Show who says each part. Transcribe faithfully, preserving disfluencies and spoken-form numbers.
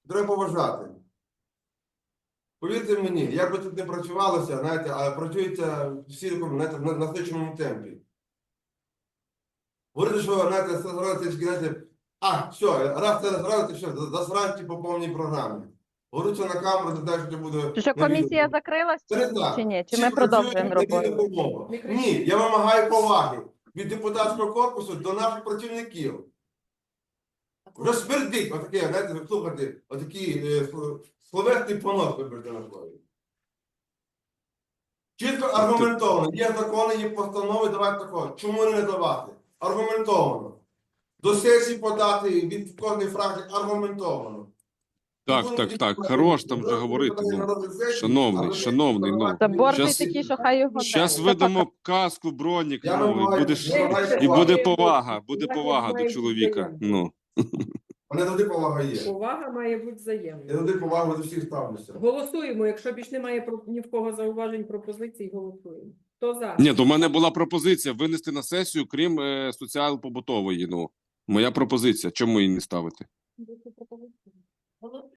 Speaker 1: треба поважати. Повірте мені, як би тут не працювалося, знаєте, а працюється всі знаєте, на насиченому темпі. Говорите, що, знаєте, зрадити, знаєте, а, все, раз це зрадити, все, засранці по повній програмі. Говорю це на камеру, ти знаєш, що буде...
Speaker 2: Чи що комісія закрилась,
Speaker 1: Це не
Speaker 2: чи,
Speaker 1: так.
Speaker 2: чи ні? Чи
Speaker 1: Всі
Speaker 2: ми
Speaker 1: працюють
Speaker 2: продовжуємо
Speaker 1: на єдину
Speaker 2: роботу?
Speaker 1: умову. Ні, я вимагаю поваги від депутатського корпусу до наших працівників. Вже смердить, отаке, знаєте, ви слухайте, отакий е, словесний понос, виберте на слові. Чітко аргументовано. Є закони, є постанови, давайте такого. Чому не давати? Аргументовано. До сесії подати від кожної фракції аргументовано.
Speaker 3: Так, так, так. Хорош там вже говорити. Ну, шановний, шановний, ну.
Speaker 2: Та борзий
Speaker 3: Щас-
Speaker 2: такий, що хай його
Speaker 3: Зараз
Speaker 2: дай.
Speaker 3: видамо каску, бронік,
Speaker 1: Я
Speaker 3: ну, і
Speaker 1: вимагаю-
Speaker 3: будеш,
Speaker 1: я вимагаю
Speaker 3: і буде
Speaker 1: поваги.
Speaker 3: повага, буде повага до чоловіка. Ну.
Speaker 1: Мене завжди повага є.
Speaker 4: Повага має бути
Speaker 1: Я
Speaker 4: взаємною.
Speaker 1: завжди повагу до всіх ставлюся.
Speaker 4: Голосуємо, якщо більш немає про- ні в кого зауважень, пропозицій, голосуємо. Хто за?
Speaker 3: Ні, то в мене була пропозиція винести на сесію, крім е, соціал-побутової. Ну, моя пропозиція. Чому її не ставити?